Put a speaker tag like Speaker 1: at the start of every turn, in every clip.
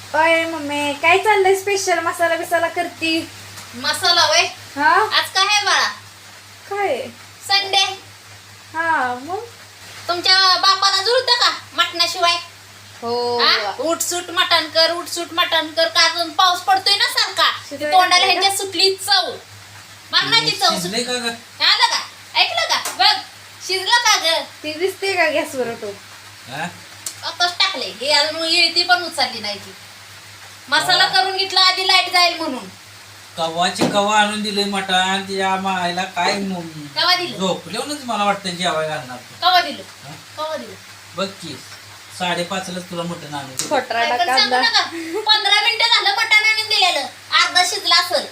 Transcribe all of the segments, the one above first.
Speaker 1: अय मम्मी काय चाललंय स्पेशल मसाला बिसाला करती?
Speaker 2: मसाला वय
Speaker 1: हा
Speaker 2: आज काय आहे बाळा?
Speaker 1: काय?
Speaker 2: संडे.
Speaker 1: हा मग
Speaker 2: तुमच्या बापाला जुळतं का मटणाशिवाय?
Speaker 1: हो
Speaker 2: उठसूट मटण कर, उठसूट मटण कर. का अजून पाऊस पडतोय ना सारखा,
Speaker 1: शिजवायला
Speaker 2: तोंडाला
Speaker 1: लागलं
Speaker 2: ह्यांच्या सुटली चव, मरणाची चव सुटली.
Speaker 3: शिजले का ग?
Speaker 2: आलं का? ऐकलं का? बघ शिजलं का ग?
Speaker 1: ती दिसते का गॅसवर तो?
Speaker 3: हा?
Speaker 2: आताच टाकले हे, अजून येळती पण उचलली नाही ती. मसाला करून घेतला आधी लाईट जाईल म्हणून.
Speaker 3: कवाची कवा आणून दिले मटण तिच्या मायला काय
Speaker 2: कवा दिलं?
Speaker 3: झोपल्यावरच मला वाटतं जेवायला घालणार तू.
Speaker 2: कवा दिलं?
Speaker 3: हा?
Speaker 2: कवा दिलं?
Speaker 3: बघ की 5:30लाच तुला मटण आणून दिलं.
Speaker 1: खोटराडा
Speaker 2: काय पण सांगू
Speaker 1: कांदा
Speaker 2: नका. 15 मिनिटं झालं मटण आणून दिलेलं, अर्धा शिजला असेल.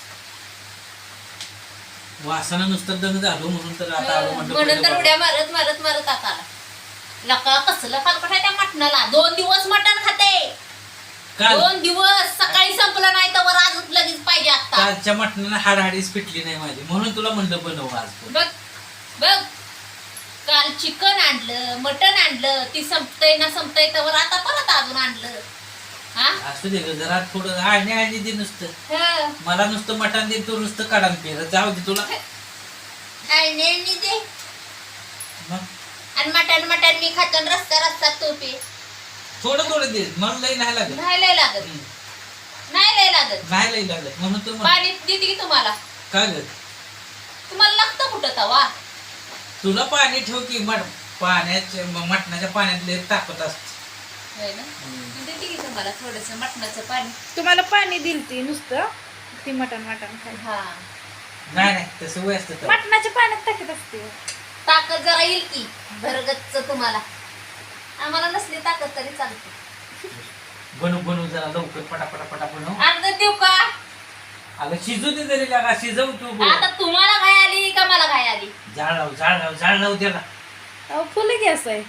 Speaker 3: वासना नुसतं दंग झालो म्हणून तर आता आलो
Speaker 2: म्हणून तर
Speaker 3: म्हटलं
Speaker 2: उड्या मारत मारत मारत आता आला. लका कसलं फालकट आहे त्या मटणाला. 2 दिवस मटण खाते.
Speaker 3: काल
Speaker 2: 2 दिवस सकाळी संपलं नाही तर वर अजून लगेच पाहिजे आता.
Speaker 3: कालच्या मटणाला हाडहाडीच पिटली नाही माझी, म्हणून तुला म्हणलं बनव आज पण.
Speaker 2: बघ बघ, काल चिकन आणलं, मटण आणलं, ती संपतय ना संपतय तर आता परत अजून आणलं. हा
Speaker 3: असू दे ग, जरा थोडं आणि दे नुसतं.
Speaker 2: हं.
Speaker 3: मला नुसतं मटण दे, तू नुसतं काढान पेर जाऊ दे तुला.
Speaker 2: आणि दे.
Speaker 3: मग
Speaker 2: आणि मटण मटण मी खातो आणि रस्ता रस्ता तोपे.
Speaker 3: थोडं थोडं दे, मला लई नाही लागत.
Speaker 2: नाही लय लागत, नाही लय लागत.
Speaker 3: नाही लई लागत म्हणून तर
Speaker 2: पाणी देते की तुम्हाला?
Speaker 3: का ग
Speaker 2: तुम्हाला लागतं कुठं तवा?
Speaker 3: तुला पाणी ठेव की पाण्याच्या मटणाच्या पाण्यात लई ताकद असते.
Speaker 2: होय ना? देते की तुम्हाला थोडंसं मटणाचं पाणी.
Speaker 1: तुम्हाला पाणी दिल ती नुसतं ती मटण खाय
Speaker 2: हा,
Speaker 3: नाही नाही तसं वय असतं तर.
Speaker 1: मटणाच्या पाण्यात टाकत असते.
Speaker 2: ताकद जरा येईल की भरगच्च तुम्हाला. आम्हाला नसली ताकद तरी चालते.
Speaker 3: बनवू जरा लवकर पटापटा बनव.
Speaker 2: अर्ध देऊ का?
Speaker 3: अगं शिजू दे जरी लागा, शिजव तू.
Speaker 2: आता तुम्हाला घाय आली का मला घाय आली?
Speaker 3: जाळ लाव त्याला.
Speaker 1: अहो फुल गॅस आहे.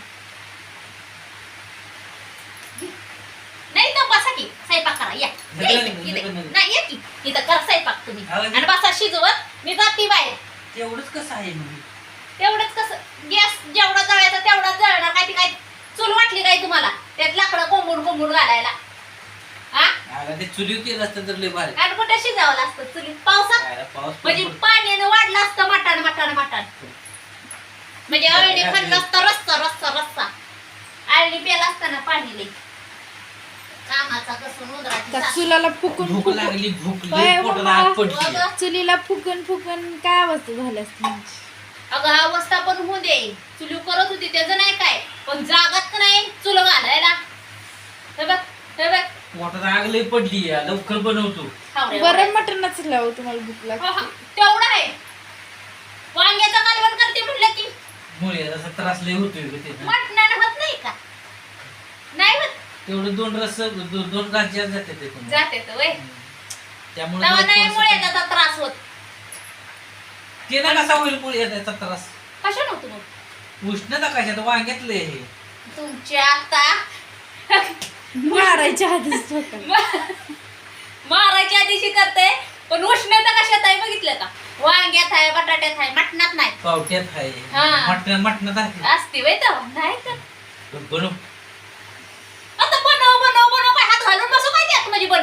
Speaker 2: नाही तर बसा की स्वयंपाक करा. या
Speaker 3: नका,
Speaker 2: इथे.
Speaker 3: नका.
Speaker 2: नाही या की इथं करा स्वयंपाक तुम्ही.
Speaker 3: आवाज येतो.
Speaker 2: आणि बसा शिजवत, मी जाती बाहेर.
Speaker 3: तेवढंच कसं आहे म्हणजे?
Speaker 2: तेवढंच कसं गॅस जेवढा जळायचा तेवढाच जळणार. काय ती काय चूल वाटली काय तुम्हाला त्यात लाकडं कोंबून घालायला? हा,
Speaker 3: अगं ते चुलीवर केलं असतं तर लय भारी.
Speaker 2: आणि कुठे शिजावं असतं चुलीत पावसात?
Speaker 3: काय रे, पाऊस
Speaker 2: म्हणजे
Speaker 3: पडतो.
Speaker 2: पाण्यानं वाढलं असतं मटण म्हणजे अळणी खाल्लं असतं रस्सा अळणी प्याला असताना पाणी लई कामाचा कसून
Speaker 1: त्या
Speaker 2: उंदराची
Speaker 1: चुलाला फुकून
Speaker 3: भूक
Speaker 1: फुकून
Speaker 3: लागली, भूक
Speaker 1: काय
Speaker 3: लय पोटाला
Speaker 1: बाबा?
Speaker 3: आग पडली.
Speaker 2: सासू.
Speaker 1: चुलीला फुकून काय अवस्था झाली असती माझी.
Speaker 2: अगं हा अवस्था पण होऊ दे. चुली करत होती त्याचं नाही काय, पण जागात नाही चुल घालायला. हे बघ हे बघ.
Speaker 3: पोटाला आग लय पडली या, लवकर बनवतो.
Speaker 2: हावरे
Speaker 1: बरं
Speaker 2: वडे.
Speaker 1: मटणच लाव तुम्हाला भूक
Speaker 2: हो, हो.
Speaker 1: लागते.
Speaker 2: तेवढं आहे. वांग्याचा कालवण करते म्हटलं की
Speaker 3: मुळे जसा त्रास लय होतोय ग ते.
Speaker 2: मटणानं होत नाही का? नाही होत.
Speaker 3: तेवढं 2 राज्यात जाते ते पण.
Speaker 2: जाते तर वय.
Speaker 3: त्यामुळे
Speaker 2: तेव्हा नाही
Speaker 3: थोडंसं-
Speaker 2: मुळे त्याचा त्रास होत.
Speaker 3: ते ना कसा होईल मुळे त्याचा त्रास?
Speaker 2: कशा नव्हतं मग
Speaker 3: उष्णता कशात वांग्यातलं हे.
Speaker 2: तुमच्या आता
Speaker 1: मारायच्या आधीच ठोकायला.
Speaker 2: मारायच्या दिवशी करते, पण उष्णता कशात आहे बघितलं का? वांग्यात आहे, बटाट्यात आहे, मटणात नाही.
Speaker 3: पावट्यात आहे,
Speaker 2: हा.
Speaker 3: मटणात आहे.
Speaker 2: असते वय तर नाही तर
Speaker 3: बनव.
Speaker 2: आता बनव काय हात घालून बसू काय त्यात म्हणजे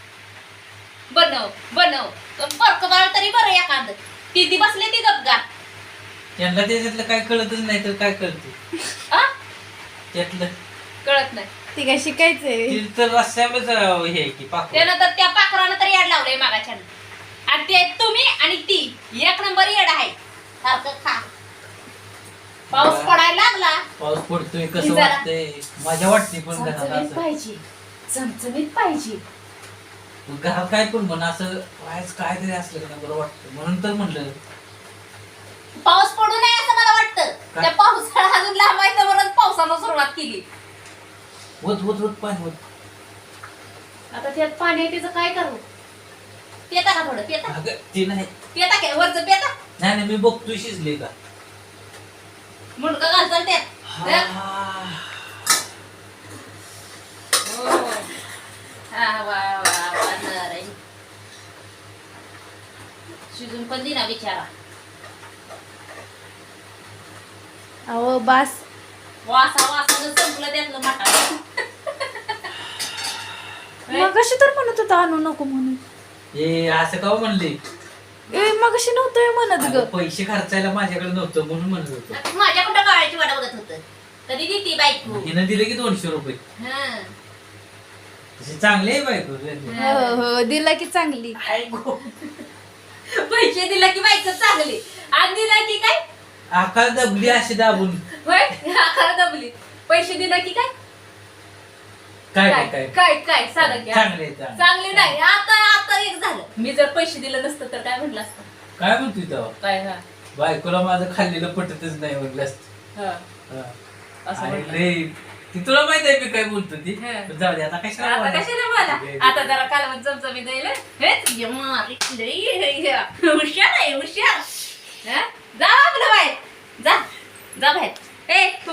Speaker 2: बनव फरक बाळ तरी बरं एखादं. ती बसले ती गपगा.
Speaker 3: त्यांना त्याच्यातलं काय कळतच नाही तर काय कळते
Speaker 2: आ?
Speaker 3: त्यातलं?
Speaker 2: कळत नाही.
Speaker 1: ती काय शिकायचंय.
Speaker 3: ती तर रस्त्यावरच हे आहे की पाकळ.
Speaker 2: त्यानं तर त्या पाखरानं तर याड लावलंय मागाच्या. आणि ते तुम्ही आणि ती एक नंबर येड आहे. सारखं खा. पाऊस पडायला लागला.
Speaker 3: पाऊस पडतोय कसं
Speaker 2: जरा.
Speaker 3: वाटतंय, मजा वाटते पण घरात
Speaker 2: चमचमीत
Speaker 3: असं.
Speaker 2: पाहिजे, चमचमीत पाहिजे.
Speaker 3: घरात काय पण म्हण असं काहीतरी असलं का बरं वाटतं, म्हणून तर म्हणलं.
Speaker 2: पाऊस पडू नये असं मला वाटतं.
Speaker 3: का?
Speaker 2: त्या पावसाळा अजून लांब आहे तर पावसानं सुरुवात केली.
Speaker 3: होत पाय होत.
Speaker 2: आता त्यात पाणी तिचं काय करू? पेता का थोडं? पेता
Speaker 3: अगं ते नाही.
Speaker 2: पेता काय वरचं पेता?
Speaker 3: नाही मी बघतोय शिजले का.
Speaker 2: मुंडका घालतात त्यात.
Speaker 3: हा.
Speaker 2: हा वा नर. शिजून पण दिना बिचारा.
Speaker 1: अहो बास.
Speaker 2: वासानं संपलं त्यातलं मटण.
Speaker 1: मगाशी तर म्हणत होता आणू नको म्हणून.
Speaker 3: हे असं का म्हणले?
Speaker 1: मगाशी नव्हतं म्हणत ग.
Speaker 3: अगं, पैसे खर्चायला माझ्याकडे नव्हतं म्हणून म्हणत होतो.
Speaker 2: आता माझ्या कुठं काळाची वाट बघत होत कधी देती बायको.
Speaker 3: हिनं दिले की 200 रुपये.
Speaker 2: हं.
Speaker 3: तशी चांगली आहे बायको.
Speaker 1: हो हो दिला की चांगली.
Speaker 2: पैसे दिला की बायको चांगली आणि दिला की काय
Speaker 3: आकाल दबली अशी दाबून.
Speaker 2: होय आकार दबली. पैसे दिला की काय
Speaker 3: काय
Speaker 2: काय
Speaker 3: काय
Speaker 2: काय काय सांगा की
Speaker 3: चांगले चांगले.
Speaker 2: चांगले नाही आता आता एक झालं. मी जर पैसे दिलं नसतं तर काय म्हटलं असतं.
Speaker 3: काय म्हणतोय तेव्हा?
Speaker 2: काय हा
Speaker 3: बायकोला माझं खाल्लेलं पटतच नाही म्हटलं असतं.
Speaker 2: हा.
Speaker 3: हा.
Speaker 2: असं
Speaker 3: आणि
Speaker 2: म्हटलं.
Speaker 3: लय ती तुला माहित आहे मी काय बोलतो ती.
Speaker 2: हा.
Speaker 3: पण जाऊ दे आता कशाला
Speaker 2: आता
Speaker 3: बोलायचं?
Speaker 2: कशाला बोला आता जरा कालवण चमचमी द्यायला हुशार आहे हुशार. हं? जा आपलं बाहेर जा जा बाहेर. ए